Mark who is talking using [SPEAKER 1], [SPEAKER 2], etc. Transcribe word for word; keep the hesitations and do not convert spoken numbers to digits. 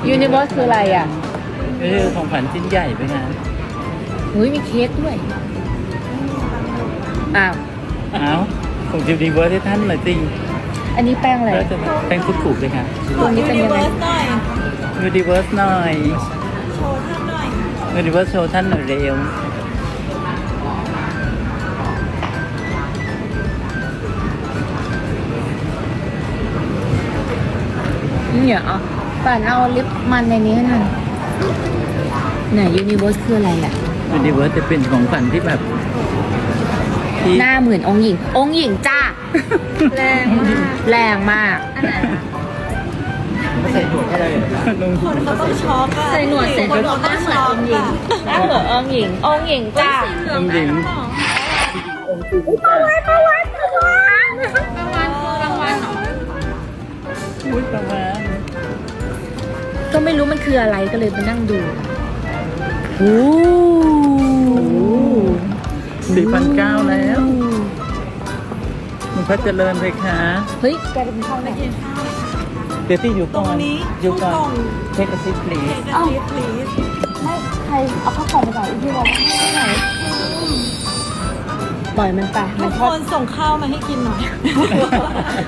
[SPEAKER 1] ยูนิเวอร์สคืออะไรอ่ะ
[SPEAKER 2] ก็คือของขวัญชิ้นใหญ่ด้วยนะ
[SPEAKER 1] อุ้ยมีเค้กด้วย อ้าว
[SPEAKER 2] อ้าวของยูนิเวิร์สให้ท่านหน่อยจริง
[SPEAKER 1] อันนี้แป้งอะไร
[SPEAKER 2] แล้วจะแป้งคุกๆเลยค่ะ
[SPEAKER 1] ตัวนี้เป็นยังไง
[SPEAKER 2] ยูนิเวิร์สหน่อย
[SPEAKER 3] โชว์ท่านหน่อย
[SPEAKER 2] ยูนิเวิร์สโชว์ท่านหน่อยเร็ว
[SPEAKER 1] เนี่ยอ่ะป่านเอาลิปมันในนี้ให้หน่อยไหนยูนิเวอร์สคืออะไรอ่ะ
[SPEAKER 2] ยูนิเวิร์สจะเป็นของขวัญที่แบบที่
[SPEAKER 1] หน้าเหมือนองค์หญิง องค์หญิงจ้า
[SPEAKER 3] แรงมาก
[SPEAKER 1] แรงมาก
[SPEAKER 3] อันไหนอะ
[SPEAKER 2] ไม่ใส่หนวดให้เลยลง
[SPEAKER 3] คนเขาต้องช็อกอะ
[SPEAKER 1] ใส่หนวดเสร็จ
[SPEAKER 3] คนเขาต้องช็อกอะ
[SPEAKER 1] หน้าเหมือนองค์หญิง องค์หญิงจ้า
[SPEAKER 2] องค์หญิงองค์จริงจ้ะ
[SPEAKER 1] ประวันคือรางวัลเหรอ
[SPEAKER 2] อุ้ยประมาณ
[SPEAKER 1] ก็ไม่รู้มันคืออะไรก็เลยมานั่งดูโอ้
[SPEAKER 2] สี่พันเก้าแล้วมันพัฒเจริญเลยค่ะ
[SPEAKER 1] เฮ้ยแกจะเป็นช่องไหน
[SPEAKER 2] เดี๋ยวที่อยู่
[SPEAKER 3] ตร
[SPEAKER 2] ก่
[SPEAKER 3] ง
[SPEAKER 2] อน
[SPEAKER 3] นี้
[SPEAKER 2] อยู่ก่อน
[SPEAKER 3] กล่อง
[SPEAKER 2] เทคซิปลี
[SPEAKER 3] เอกสิทธิ์ please
[SPEAKER 1] ไม่ใครเอาข้าวของไปก่อนที่เราไม่ไหนปล่อยมันไป
[SPEAKER 3] ทุ
[SPEAKER 1] มัน
[SPEAKER 3] ก
[SPEAKER 1] ช
[SPEAKER 3] ค
[SPEAKER 1] อบ
[SPEAKER 3] นส่งข้าวมาให้กินหน่อย